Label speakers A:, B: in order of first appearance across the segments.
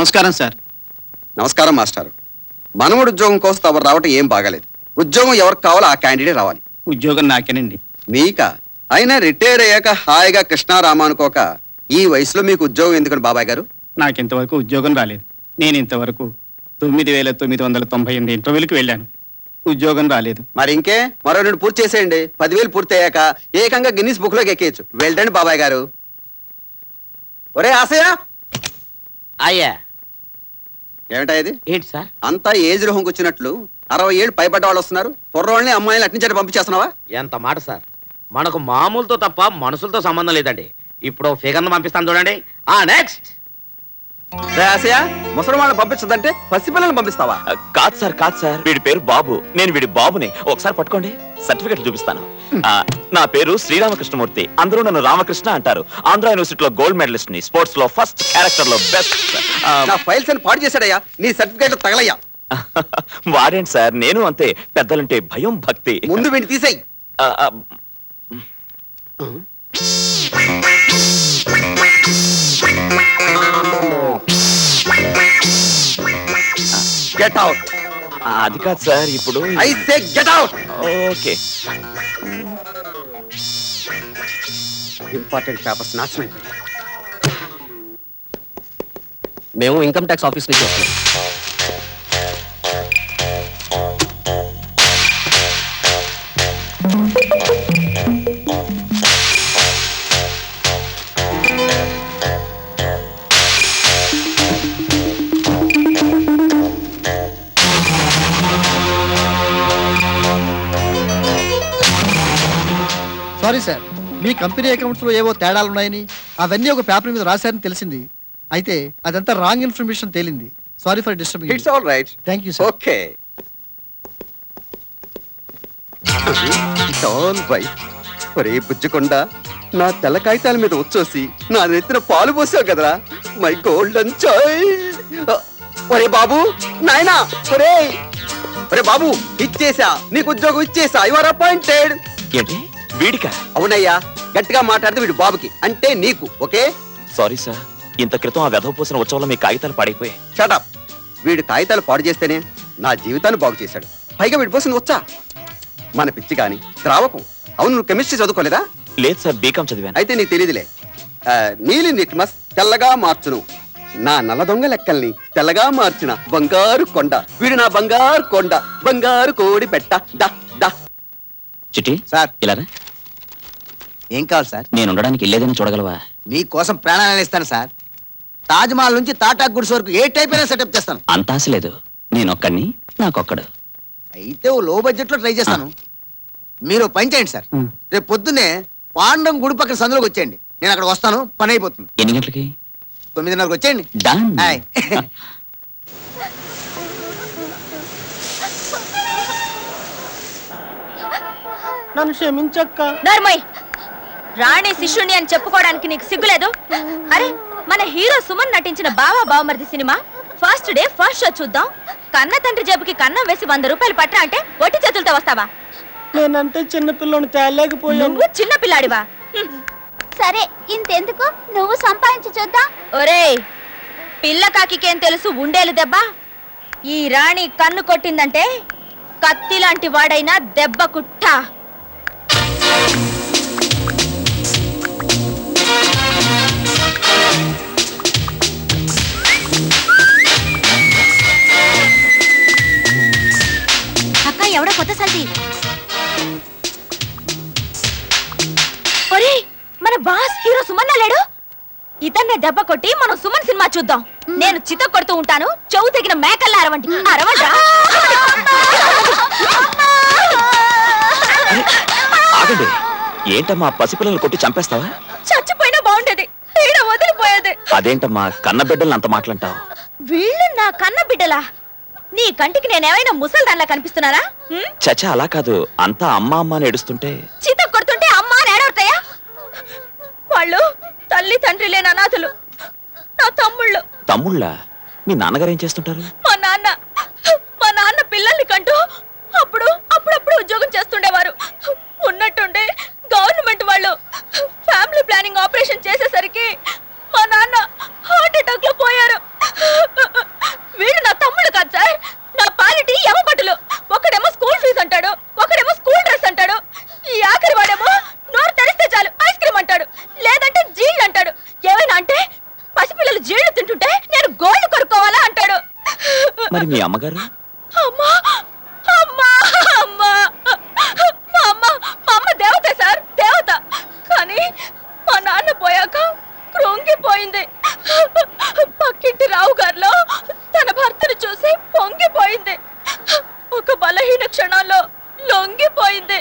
A: నమస్కారం సార్.
B: నమస్కారం మాస్టర్. మనవడు ఉద్యోగం కోసం తమరు రావటం ఏం బాగాలేదు. ఉద్యోగం ఎవరికి కావాలో ఆ క్యాండిడేట్ రావాలి.
A: ఉద్యోగం నాకేనండి.
B: మీకా? అయినా రిటైర్ అయ్యాక హాయిగా కృష్ణారామ అనుకోక ఈ వయసులో మీకు ఉద్యోగం ఎందుకని బాబాయ్ గారు?
A: నాకింతవరకు ఉద్యోగం రాలేదు. నేను ఇంతవరకు 9,998 ఇంటర్వ్యూలకు వెళ్ళాను. ఉద్యోగం రాలేదు.
B: మరి ఇంకే మరో 2 పూర్తి చేసేయండి. 10,000 పూర్తి అయ్యాక ఏకంగా గిన్నిస్ బుక్ లోకి ఎక్కేయచ్చు. వెళ్ళండి బాబాయ్ గారు. ఒరే ఆశయ,
C: అయ్యా
B: ఏమిటా ఇది?
C: ఏంటి సార్?
B: అంతా ఏజ్ రోహంకి వచ్చినట్లు 60 ఏళ్ళు పైబడ్డ వాళ్ళు వస్తున్నారు. కుర్రోళ్ళని అమ్మాయిని అట్నుంచి పంపించేస్తున్నావా?
C: ఎంత మాట సార్, మనకు మామూలుతో తప్ప మనుషులతో సంబంధం లేదండి. ఇప్పుడు ఫిగర్ను పంపిస్తాను చూడండి. నెక్స్ట్.
B: ఆశయ, ముసలి వాళ్ళని పంపించదంటే పసిపిల్లల్ని పంపిస్తావా?
D: కాదు సార్, వీడి పేరు బాబు. నేను వీడి బాబుని. ఒకసారి పట్టుకోండి, సర్టిఫికెట్ చూపిస్తాను. నా పేరు శ్రీరామకృష్ణమూర్తి. అందరూ నన్ను రామకృష్ణ అంటారు. ఆంధ్ర యూనివర్సిటీలో గోల్డ్ మెడలిస్ట్ ని, స్పోర్ట్స్ లో ఫస్ట్, క్యారెక్టర్ లో బెస్ట్.
B: నా ఫైల్స్ అని పాడు చేశాడయ్యా. నీ సర్టిఫికేట్ తగలయ్యా.
D: వాడేంటి సార్, నేను అంతే. పెద్దలంటే భయం, భక్తి.
B: ముందు వీడిని తీసేయి. Get out.
D: అది కాదు సార్, ఇప్పుడు
B: I say get out.
D: Okay.
B: Important papers నాశనం అయిపోయాయి.
C: మేము ఇన్కమ్ ట్యాక్స్ ఆఫీస్ నుంచి వస్తున్నాం.
E: సారీ సార్, మీ కంపెనీ అకౌంట్స్ లో ఏవో తేడాలున్నాయని అవన్నీ ఒక పేపర్ మీద రాశారని తెలిసింది. అయితే అదంతా రాంగ్ ఇన్ఫర్మేషన్ తేలింది. Sorry for disturbing.
B: It's all right.
E: Thank you sir.
B: Okay. It's all right. ఒరే బుజ్జకొండ, నా తెల్ల కాగితాల మీద వచ్చేసి నా నెత్తిన పాలు పోసావు కదరా, మై గోల్డెన్ చైల్డ్. ఒరే బాబు, నాయనా, ఒరే బాబు, ఇచ్చేసా, నీకు ఉద్యోగం ఇచ్చేసా. You are appointed.
D: ఏంటి వీడికా?
B: అవునయ్యా, గట్టిగా మాట్లాడితే వీడు బాబుకి, అంటే నీకు. ఓకే.
D: సారీ సార్, ఇంత క్రితం ఆ వెధవ పోసిన ఉత్సవంలో మీ కాగితాలు పాడైపోయాయి.
B: షటప్. వీడు కాగితాలు పాడు చేస్తేనే నా జీవితాన్ని బాగు చేశాడు. పైగా వీడి పోసింది వచ్చా మన పిచ్చి కాని ద్రావకం. అవును, నువ్వు కెమిస్ట్రీ చదువుకోలేదా?
D: లేదు సార్, బీకాం చదివాను.
B: అయితే నీకు తెలియదులే. నీలి నిట్మస్ తెల్లగా మార్చును, నా నల్ల దొంగ లెక్కల్ని తెల్లగా మార్చిన బంగారు కొండ. వీడు నా బంగారు కొండ, బంగారు కోడి పెట్ట. డా డా.
D: చిట్టి
F: సార్,
D: ఇలా
F: ఏం కావాలి సార్?
D: నేను ఉండడానికి ఇల్లేదని చూడగలవా?
F: మీకోసం ప్రాణాలు ఇస్తాను సార్. తాజ్ మహల్ నుంచి టాటా గుడ్స్ వరకు ఏ టైప్ అయినా సెటప్ చేస్తాను.
D: అంత ఆశ లేదు, నేనొక్కడిని, నాకొక్కడు.
F: అయితే ఓ లో బడ్జెట్ లో ట్రై చేస్తాను. మీరు పని చేయండి సార్. రేపు పొద్దున్నే పాండం గుడి పక్కన సందులోకి వచ్చేయండి. నేను అక్కడ వస్తాను, పని అయిపోతుంది.
D: ఎన్ని గంటలకి?
F: 9:30కి వచ్చేయండి.
D: డన్.
F: హాయ్.
E: నన్ను క్షమించక్క.
G: నర్మయ్, రాణి శిష్యుని అని చెప్పుకోవడానికి నీకు సిగ్గులేదు? అరే, మన హీరో సుమన్ నటించిన Bava Bavamaridi cinema first day first show చూద్దాం. కన్న తండ్రి జేబుకి కన్నం వేసి 100 రూపాయలు పట్టరా అంటే ఒట్టి చేతులతో వస్తావా?
E: నేనంటే చిన్న పిల్లని తేలేకపోయాను.
G: నువ్వు చిన్న పిల్లాడివా?
H: సరే, ఇంతెందుకు, నువ్వు సంపాదించి చూద్దాం.
G: ఒరేయ్, పిల్ల కాకికేం తెలుసు ఉండేలు దెబ్బ? ఈ రాణి కన్ను కొట్టిందంటే కత్తి లాంటి వాడైనా దెబ్బ కుట్ట. అక్క, ఎవడో కొత్త సల్ది. ఒరేయ్, మన బాస్ హీరో సుమన్ లేడు? ఇతన్నే దెబ్బ కొట్టి మనం సుమన్ సినిమా చూద్దాం. నేను చిత కొడుతూ ఉంటాను, చెవు తెగిన మేకల్లా అరవండి. అరవండి.
D: ఆగండి, ఏంటమ్మా పసిపిల్లలు కొట్టి చంపేస్తావా?
G: చచ్చిపోయినా బాగుండేది, ఈడ వదిలిపోయేది.
D: అదేంటమ్మా కన్న బిడ్డలు అంత మాటలంటావు?
G: వీళ్ళు నా కన్న బిడ్డలా? నీ కంటికి నేనేమైనా ముసల్దాన్లా కనిపిస్తున్నారా?
D: చచ్చా, అలా కాదు. అంతా అమ్మ అమ్మ అని ఏడుస్తుంటే
G: చిత కొడుతుంటే అమ్మా అని ఏడవుతాయా? వాళ్ళు తల్లి తండ్రి లేని అనాథులు, నా తమ్ముళ్ళు.
D: తమ్ముళ్ళ? మీ నాన్నగారు ఏం చేస్తుంటారు?
G: మా నాన్న పిల్లల్ని కంటూ అప్పుడప్పుడు ఉద్యోగం చేస్తుండేవారు. ఉన్నట్టుండి గవర్నమెంట్ వాళ్ళు ఫ్యామిలీ ప్లానింగ్ ఆపరేషన్ చేసేసరికి మా నాన్న హార్ట్ అటాక్ లో పోయారు.
D: మరి మీ అమ్మగారు?
G: అమ్మా అమ్మా అమ్మా మా అమ్మ దేవత సార్, దేవత. కానీ మా నాన్న పోయాక కృంగిపోయింది. పక్కింటి రావు గారిలో తన భర్తను చూసి పొంగిపోయింది. ఒక బలహీన క్షణాల్లో లొంగిపోయింది.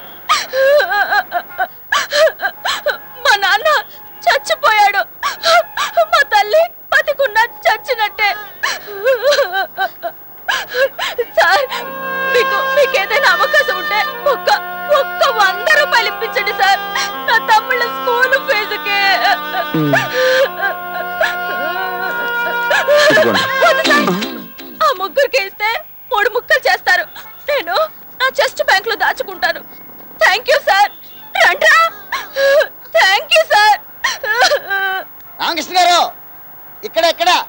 G: మా నాన్న చచ్చిపోయాడు. మా తల్లి బతికున్నా చచ్చినట్టే. సార్, మీకు ఏదైనా అవకాశం ఉంటే ఒక్క 100 రూపాయలు ఇప్పించండి సార్, నా తమ్ముళ్ళ స్కూల్ ఫీజుకి. వద్దు సార్, ఆ ముగ్గురికి ఇస్తే 3 ముక్కలు చేస్తారు. నేను నా చెస్ట్ బ్యాంక్ లో దాచుకుంటాను. Thank you sir. రండ్రా. Thank you sir.
F: రామకృష్ణ గారు ఇక్కడ